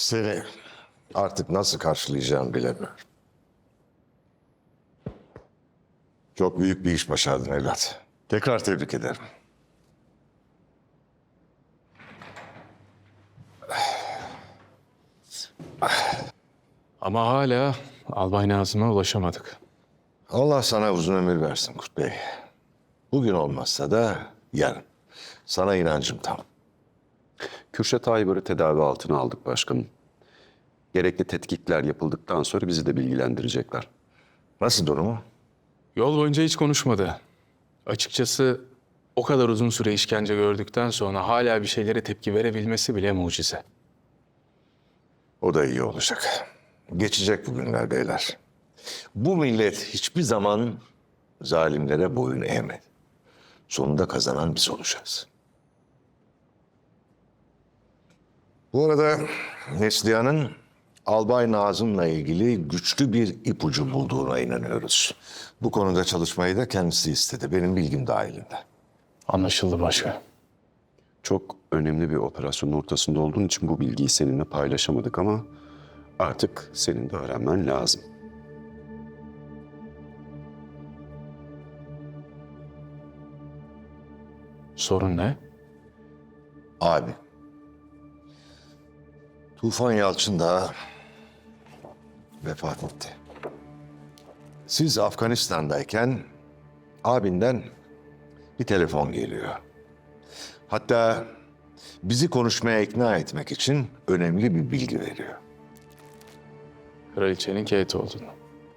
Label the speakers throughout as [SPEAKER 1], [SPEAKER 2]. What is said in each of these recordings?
[SPEAKER 1] Seni artık nasıl karşılayacağımı bilemiyorum. Çok büyük bir iş başardın evlat. Tekrar tebrik ederim.
[SPEAKER 2] Ama hala Albay Nazım'a ulaşamadık.
[SPEAKER 1] Allah sana uzun ömür versin Kurt Bey. Bugün olmazsa da yarın. Sana inancım tam.
[SPEAKER 3] Kürşat Aybar'ı tedavi altına aldık başkanım. Gerekli tetkikler yapıldıktan sonra bizi de bilgilendirecekler.
[SPEAKER 1] Nasıl durumu?
[SPEAKER 2] Yol boyunca hiç konuşmadı. Açıkçası o kadar uzun süre işkence gördükten sonra hala bir şeylere tepki verebilmesi bile mucize.
[SPEAKER 1] O da iyi olacak. Geçecek bu günler beyler. Bu millet hiçbir zaman zalimlere boyun eğmedi. Sonunda kazanan biz olacağız. Bu arada Neslihan'ın Albay Nazım'la ilgili güçlü bir ipucu bulduğuna inanıyoruz. Bu konuda çalışmayı da kendisi istedi. Benim bilgim dahilinde.
[SPEAKER 2] Anlaşıldı başkan.
[SPEAKER 3] Çok önemli bir operasyonun ortasında olduğun için bu bilgiyi seninle paylaşamadık ama artık senin de öğrenmen lazım.
[SPEAKER 2] Sorun ne?
[SPEAKER 1] Abi. Tufan Yalçın da vefat etti. Siz Afganistan'dayken abinden bir telefon geliyor. Hatta bizi konuşmaya ikna etmek için önemli bir bilgi veriyor.
[SPEAKER 2] Kraliçenin Kate olduğunu.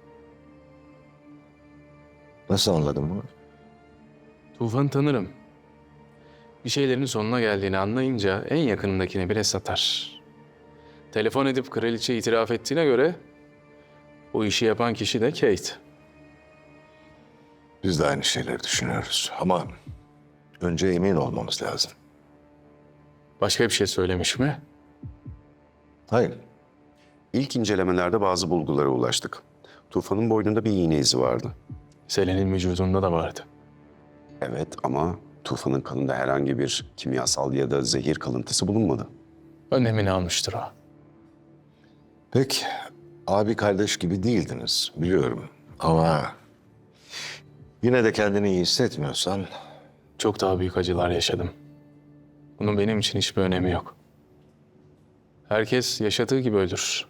[SPEAKER 1] Nasıl anladın bunu?
[SPEAKER 2] Tufan'ı tanırım. Bir şeylerin sonuna geldiğini anlayınca en yakınındakini bile satar. Telefon edip kraliçe itiraf ettiğine göre bu işi yapan kişi de Kate.
[SPEAKER 1] Biz de aynı şeyleri düşünüyoruz ama önce emin olmamız lazım.
[SPEAKER 2] Başka bir şey söylemiş mi?
[SPEAKER 1] Hayır.
[SPEAKER 3] İlk incelemelerde bazı bulgulara ulaştık. Tufan'ın boynunda bir iğne izi vardı.
[SPEAKER 2] Selen'in vücudunda da vardı.
[SPEAKER 3] Evet ama Tufan'ın kanında herhangi bir kimyasal ya da zehir kalıntısı bulunmadı.
[SPEAKER 2] Önlemini almıştır o.
[SPEAKER 1] Pek abi kardeş gibi değildiniz biliyorum ama yine de kendini iyi hissetmiyorsan
[SPEAKER 2] Çok daha büyük acılar yaşadım. Bunun benim için hiçbir önemi yok. Herkes yaşadığı gibi ölür.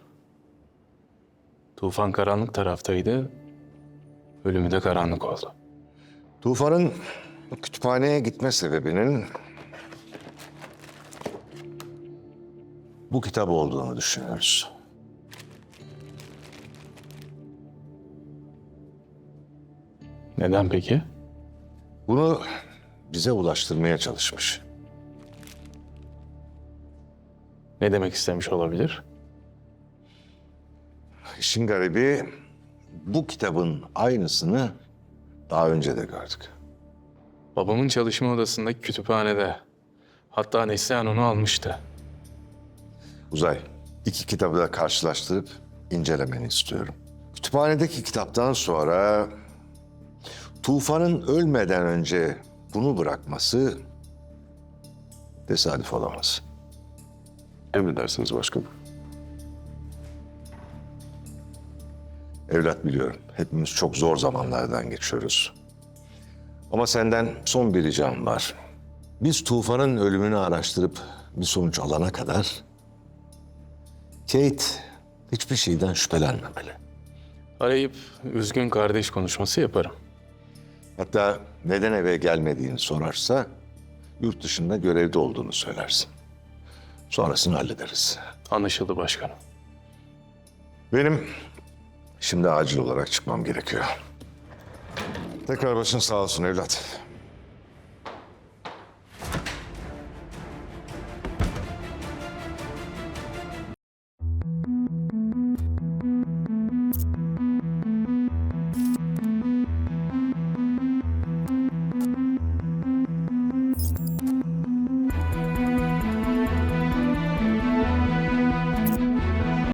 [SPEAKER 2] Tufan karanlık taraftaydı, ölümü de karanlık oldu.
[SPEAKER 1] Tufan'ın kütüphaneye gitme sebebinin bu kitap olduğunu düşünüyoruz.
[SPEAKER 2] Neden peki?
[SPEAKER 1] Bunu bize ulaştırmaya çalışmış.
[SPEAKER 2] Ne demek istemiş olabilir?
[SPEAKER 1] İşin garibi bu kitabın aynısını daha önce de gördük.
[SPEAKER 2] Babamın çalışma odasındaki kütüphanede. Hatta Neslihan onu almıştı.
[SPEAKER 1] Uzay, iki kitabı da karşılaştırıp incelemeni istiyorum. Kütüphanedeki kitaptan sonra Tufan'ın ölmeden önce bunu bırakması tesadüf olamaz.
[SPEAKER 3] Emredersiniz başkanım.
[SPEAKER 1] Evlat biliyorum, hepimiz çok zor zamanlardan geçiyoruz. Ama senden son bir ricam var. Biz Tufan'ın ölümünü araştırıp bir sonuç alana kadar Kate hiçbir şeyden şüphelenmemeli.
[SPEAKER 2] Arayıp üzgün kardeş konuşması yaparım.
[SPEAKER 1] Hatta neden eve gelmediğini sorarsa yurt dışında görevde olduğunu söylersin. Sonrasını hallederiz.
[SPEAKER 2] Anlaşıldı başkanım.
[SPEAKER 1] Benim şimdi acil olarak çıkmam gerekiyor. Tekrar başın sağ olsun evlat.